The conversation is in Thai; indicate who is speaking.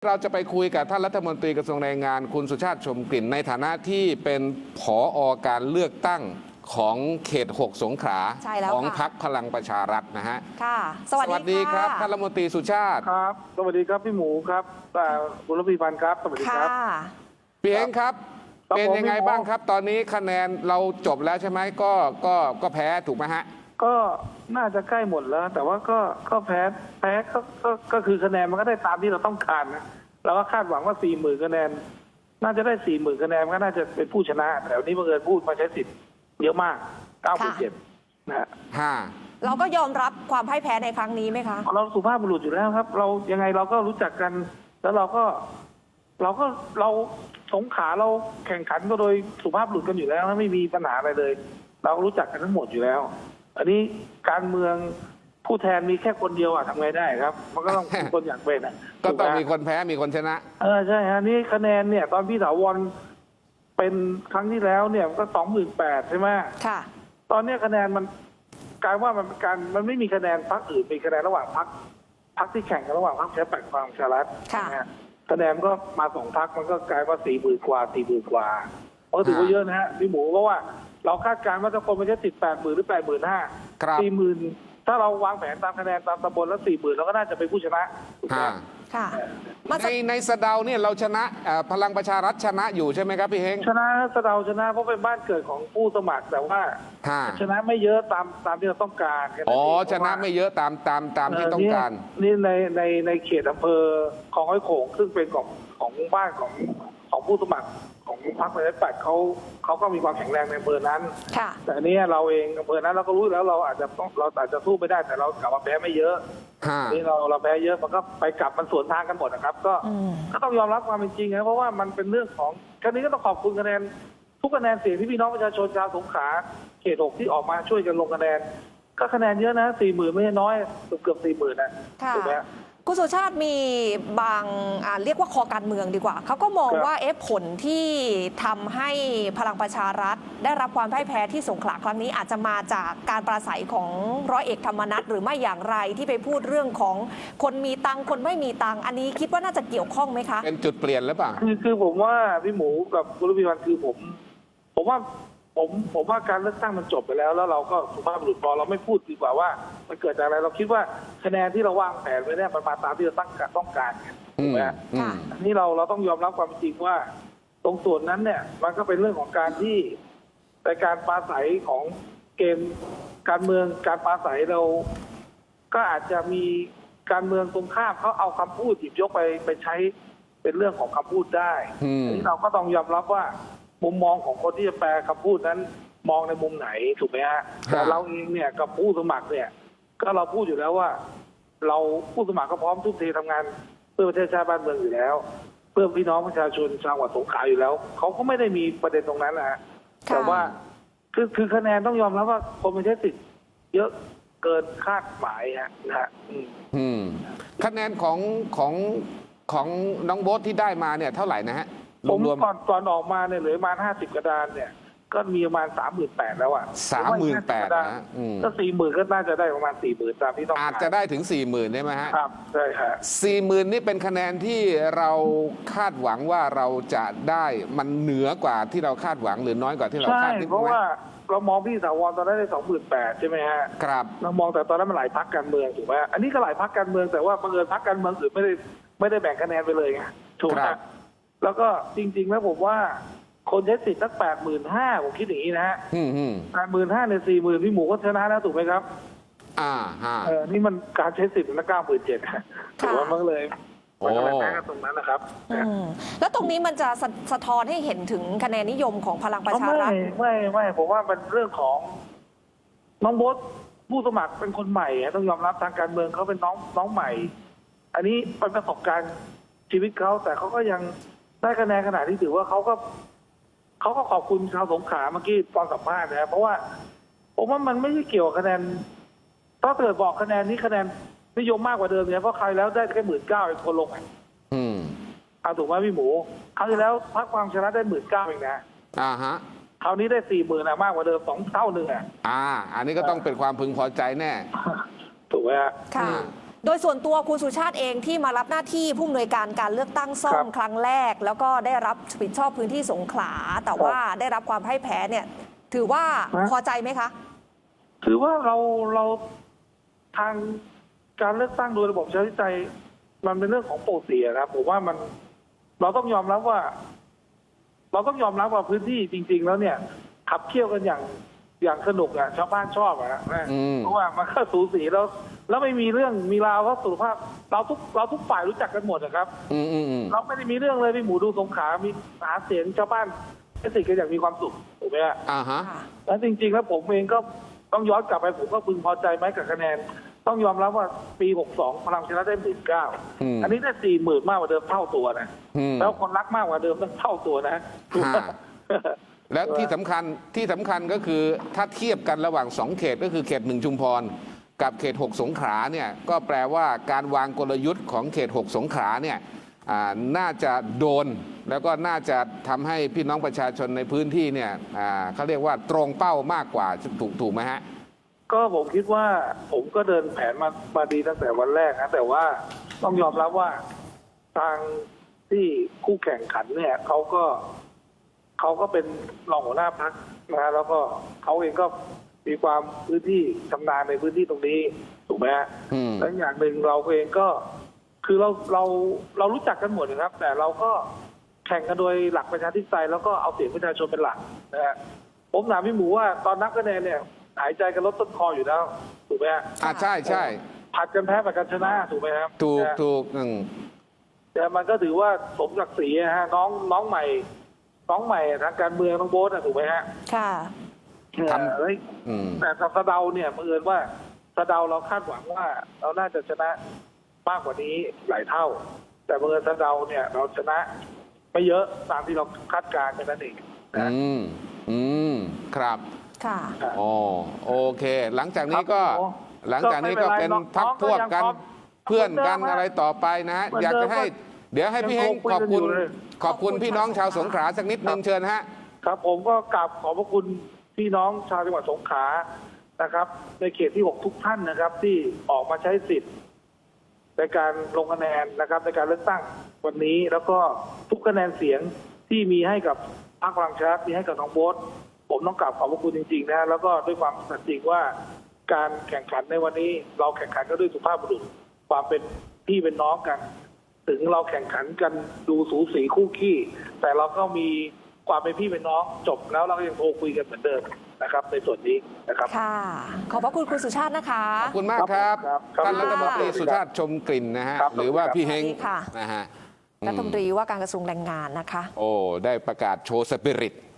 Speaker 1: เราจะไปคุยกับท่านรัฐมนตรีกระทรวงแรงงานคุณสุชาติชมกลิ่นในฐานะที่เป็นผอ.การเลือกตั้งของเขต 6 สงขลาของพรรคพลังประชารัฐนะฮะ
Speaker 2: ค่ะสวัสดี
Speaker 1: ครับท่านรัฐมนตรีสุชาติ
Speaker 3: ครับสวัสดีครับพี่หมูครับคุณรัฐพันธ์ครับสวัสดีครับ
Speaker 1: พี่เองครับเป็นยังไงบ้างครับตอนนี้คะแนนเราจบแล้วใช่ไหมก็แพ้ถูกไหมฮะ
Speaker 3: ก็น่าจะใกล้หมดแล้วแต่ว่าก็แพ้ก็คือคะแนนมันก็ได้ตามที่เราต้องการนะเราก็คาดหวังว่า 40,000 คะแนนน่าจะได้ 40,000 คะแนนก็น่าจะเป็นผู้ชนะแต่วันนี้บังเอิญพูดมาใช้สิทธิ์เยอะมาก 9.7 นะฮะ
Speaker 2: เราก็ยอมรับความพ่ายแพ้ในครั้งนี้ไหมคะ
Speaker 3: เราสุภาพบุรุษอยู่แล้วครับเรายังไงเราก็รู้จักกันแล้วเราสงขลาเราแข่งขันก็โดยสุภาพบุรุษกันอยู่แล้วไม่มีปัญหาอะไรเลยเรารู้จักกันทั้งหมดอยู่แล้วอันนี้การเมืองผู้แทนมีแค่คนเดียวทำไงได้ครับมันก็ต้องมีคนอยากเป็น
Speaker 1: ก็ต้องมีคนแพ้มีคนชนะ
Speaker 3: ใช่ฮะนี่คะแนนเนี่ยตอนพี่ถาวรเป็นครั้งที่แล้วเนี่ยก็ 28,000 ใช่ไหม
Speaker 2: ค่ะ
Speaker 3: ตอนนี้คะแนนมันกลายว่ามันไม่มีคะแนนพรรคอื่นมีคะแนนระหว่างพรรคที่แข่งกันระหว่างพรรคประชาธิปัตย์กับพลังประชารัฐคะแนนก็มา2 พรรคมันก็กลายว่า 40,000 กว่า 40,000 กว่าก็ถือว่าเยอะนะฮะพี่หมูเพราะว่าเราคาดการณ์ว่าถ้าคนมันจะติด 80,000 หรือ 85,000 40,000ถ้าเราวางแผนตามคะแนนตามตำบลแล้ว 40,000เราก็น่าจะเป็นผู้ชนะ
Speaker 2: ค่ะ
Speaker 1: ในสะเดาเนี่ยเราชนะพลังประชารัฐชนะอยู่ใช่ไหมครับพี่เฮง
Speaker 3: ชนะสะเดาชนะเพราะเป็นบ้านเกิดของผู้สมัครแต่ว่าชนะไม่เยอะตามที่เราต้องการ
Speaker 1: ชนะไม่เยอะตามที่ต้องการ
Speaker 3: นี่ในเขตอำเภอคลองห้อยโขงซึ่งเป็นของบ้านของผู้สมัครของพรรคประชาธิปัตย์เขาก็มีความแข็งแรงในอำเภอนั้นแต่นี้เราเองอำเภอนั้นเราก็รู้แล้วเราอาจจะสู้ไม่ได้แต่เรากลับมาแพ้ไม่เยอะนี่เราแพ้เยอะมันก็ไปกลับมันสวนทางกันหมดนะครับก็ต้องยอมรับความเป็นจริงนะเพราะว่ามันเป็นเรื่องของครั้งนี้ก็ต้องขอบคุณคะแนนทุกคะแนนเสียงที่พี่น้องประชาชนชาวสงขลาเขต 6ที่ออกมาช่วยกันลงคะแนนก็คะแนนเยอะนะ 40,000 ไม่ใช่น้อยเกือบ 40,000 นะถูกไหม
Speaker 2: คุณสุชาติมีบางเรียกว่าคอการเมืองดีกว่าเขาก็มองว่าผลที่ทำให้พลังประชารัฐได้รับความพ่ายแพ้ที่สงขลาครั้งนี้อาจจะมาจากการปราศัยของร้อยเอกธรรมนัฐหรือไม่อย่างไรที่ไปพูดเรื่องของคนมีตังคนไม่มีตังอันนี้คิดว่าน่าจะเกี่ยวข้องไหมคะ
Speaker 1: เป็นจุดเปลี่ยนหรือเปล่า
Speaker 3: คือผมว่าพี่หมูกับคุณรัฐพันธ์คือผมว่าการเลือกตั้งมันจบไปแล้วเราก็สุภาพบุรุษพอเราไม่พูดดีกว่าว่ามันเกิดจากอะไรเราคิดว่าคะแนนที่เราวางแผนไว้เนี่ยมันมาตามที่เราต้องการถูกไหมอันนี้เราต้องยอมรับความจริงว่าตรงส่วนนั้นเนี่ยมันก็เป็นเรื่องของการที่ในการปราศัยของเกมการเมืองการปราศัยเราก็อาจจะมีการเมืองตรงข้ามเขาเอาคำพูดหยิบยกไปใช้เป็นเรื่องของคำพูดได้อันนี้เราก็ต้องยอมรับว่ามุมมองของคนที่จะแปลคำพูดนั้นมองในมุมไหนถูกไหมฮะแต่เราเองเนี่ยกับผู้สมัครเนี่ยก็เราพูดอยู่แล้วว่าเราผู้สมัครก็พร้อมทุ่มเททำงานเพื่อประเทศชาติบ้านเมืองอยู่แล้วเพื่อพี่น้องประชาชนชาวจังหวัดสงขลาอยู่แล้วเขาก็ไม่ได้มีประเด็นตรงนั้นนะฮะแต่ว่าคือคะแนนต้องยอมรับว่าคนมันใช้สิทธิ์เยอะเกินคาดหมายนะฮะ
Speaker 1: คะแนนของน้องโบ๊ทที่ได้มาเนี่ยเท่าไหร่นะฮะ
Speaker 3: ผมก่อนออกมาเนี่ยเหลือประมาณ50 กระดานเนี่ยก็มีประมาณ 38,000 แล้ว
Speaker 1: 38,000นะ
Speaker 3: ก็ 40,000 ก็น่าจะได้ประมาณ 40,000 ตามที่ต้อง
Speaker 1: อาจจะได้ถึง 40,000 ได้ไหมฮะ
Speaker 3: ครับใช่ครับ
Speaker 1: 40,000 นี่เป็นคะแนนที่เราคาดหวังว่าเราจะได้มันเหนือกว่าที่เราคาดหวังหรือน้อยกว่าที่เราคาดคิด
Speaker 3: เพราะว่าเรามองพี่ถาวรตอนนั้นได้ 28,000 ใช่ไหมฮะ
Speaker 1: ครับ
Speaker 3: เรามองแต่ตอนนั้นมันหลายพรรคการเมืองถูกไหมอันนี้ก็หลายพรรคการเมืองแต่ว่าบังเอิญพรรคการเมืองอื่นไม่ได้แบ่งคะแนนไปเลยไงถูกไหมแล้วก็จริงๆแล้วผมว่าคนใช้สิทธิ์สัก 85,000 ผมคิดอย่างนี้นะฮะ85,000 ใน 40,000 พี่หมูก็ชนะแล้วถูกไหมครับนี่มันการใช้สิทธิ์มัน97,000ถือว่ามันเลยมันก็เลยแพ้กันตรงนั้นนะครับ
Speaker 2: แล้วตรงนี้มันจะสะท้อนให้เห็นถึงคะแนนนิยมของพลังประชารัฐ
Speaker 3: ไม่ผมว่ามันเรื่องของน้องโบ๊ทผู้สมัครเป็นคนใหม่ต้องยอมรับทางการเมืองเขาเป็นน้องใหม่อันนี้เป็นประสบการณ์ชีวิตเขาแต่เขาก็ยังได้คะแนนขนาดที่ถือว่าเขาก็ขอบคุณชาวสงขลาเมื่อกี้ตอนสัมภาษณ์นะเพราะว่าผมว่ามันไม่ใช่เกี่ยวกับคะแนนถ้าเกิดบอกคะแนนนี้คะแนนนิยมมากกว่าเดิมเนี่ยเพราะใครแล้วได้แค่ 19,000 เองคนลงถูกไหมพี่หมูคราวที่แล้วพรรคพลังประชารัฐได้ 19,000 เองนะคราวนี้ได้ 40,000 มากกว่าเดิม2 เท่านึง
Speaker 1: อันนี้ก็ต้องเป็นความพึงพอใจแน่
Speaker 3: ถูกไหมฮะ
Speaker 2: โดยส่วนตัวคุณสุชาติเองที่มารับหน้าที่ผู้อำนวยการการเลือกตั้งซ่อมครั้งแรก แล้วก็ได้รับผิดชอบพื้นที่สงขลาแต่ว่าได้รับความพ่ายแพ้เนี่ยถือว่าพอใจไหมคะ
Speaker 3: ถือว่าเราทางการเลือกตั้งโดยระบบประชาธิปไตยมันเป็นเรื่องของปกติครับผมว่ามันเราต้องยอมรับว่าพื้นที่จริง ๆ แล้วเนี่ยขับเคี่ยวกันอย่างสนุกชาวบ้านชอบเพราะว่ามันก็สูสีแล้วไม่มีเรื่องมีราวก็สุขภาพเราทุกฝ่ายรู้จักกันหมดนะครับเราไม่ได้มีเรื่องเลยพี่หมูดูสงขลามีหาเสียงชาวบ้านให้ติดกันอย่างมีความสุขถูกไหมฮะแล้วจริงๆแล้วผมเองก็ต้องย้อนกลับไปผมก็พึงพอใจไหมกับคะแนนต้องยอมรับว่าปี62พลังประชารัฐได้19,000อันนี้ได้40,000มากกว่าเดิมเท่าตัวนะแล้วคนรักมากกว่าเดิมตั้งเท่าตัวนะ
Speaker 1: แล้วที่สำคัญก็คือถ้าเทียบกันระหว่าง2เขตก็คือเขต1ชุมพรกับเขต6สงขลาเนี่ยก็แปลว่าการวางกลยุทธ์ของเขต6สงขลาเนี่ยน่าจะโดนแล้วก็น่าจะทำให้พี่น้องประชาชนในพื้นที่เนี่ยเขาเรียกว่าตรงเป้ามากกว่าถูกไหมฮะ
Speaker 3: ก็ผมคิดว่าผมก็เดินแผนมาดีตั้งแต่วันแรกนะแต่ว่าต้องยอมรับว่าทางที่คู่แข่งขันเนี่ยเขาก็เป็นรองหัวหน้าพรรคนะแล้วก็เขาเองก็มีความพื้นที่ชำนาญในพื้นที่ตรงนี้ถูกไหมฮะและอย่างหนึ่งเราเองก็คือเรารู้จักกันหมดนะครับแต่เราก็แข่งกันโดยหลักประชาธิปไตยแล้วก็เอาเสียงประชาชนเป็นหลักนะฮะผมถามพี่หมูว่าตอนนับคะแนนเนี่ยหายใจกันลดต้นคออยู่แล้วถูกไหมฮะ
Speaker 1: ใช่
Speaker 3: ผัดกันแพ้ผัดกันชนะถูกไหมครับ
Speaker 1: ถูก
Speaker 3: แต่มันก็ถือว่าสมศักดิ์ศรีฮะน้องใหม่ทางการเมืองน้องโบ๊ทถูกไหมฮะ
Speaker 2: ค่ะ
Speaker 3: แต่สะเดาเนี่ยบังเอิญว่าสะเดาเราคาดหวังว่าเราน่าจะชนะมากกว่านี้หลายเท่าแต่บังเอิญสะเดาเนี่ยเราชนะไม่เยอะตามที่เราคาดการณ์กันนั่นเอง
Speaker 1: ครับ
Speaker 2: ค่ะ
Speaker 1: โอเคหลังจากนี้ก็เป็นพักพวกกันเพื่อนกันอะไรต่อไปนะฮะอยากจะให้เดี๋ยวให้พี่เฮงขอบคุณพี่น้องชาวสงขลาสักนิดนึงเชิญฮะ
Speaker 3: ครับผมก็กราบขอบพระคุณพี่น้องชาวจังหวัดสงขลานะครับในเขตที่6ทุกท่านนะครับที่ออกมาใช้สิทธิ์ในการลงคะแนนนะครับในการเลือกตั้งวันนี้แล้วก็ทุกคะแนนเสียงที่มีให้กับพรรคพลังประชารัฐมีให้กับน้องโบ๊ทผมต้องกราบขอบพระคุณจริงๆนะแล้วก็ด้วยความสัตย์จริงว่าการแข่งขันในวันนี้เราแข่งขันกันด้วยสุภาพบุรุษความเป็นพี่เป็นน้องกันถึงเราแข่งขันกันดูสูสีคู่ขี้แต่เราก็มีความเป็นพี่เป็นน้องจบแล้วเราก็ยังโทรคุยกันเหมือนเดิมนะครับในส่วนนี้นะครับ
Speaker 2: ค่ะขอบพระคุณคุณสุชาตินะคะ
Speaker 1: ขอบคุณมากครับท่านรัฐมนตรีสุชาติชมกลิ่นนะฮะหรือว่าพี่เฮงนะฮะ
Speaker 2: รัฐมนตรีว่าการกระทรวงแรงงานนะคะ
Speaker 1: ได้ประกาศโชว์สปิริต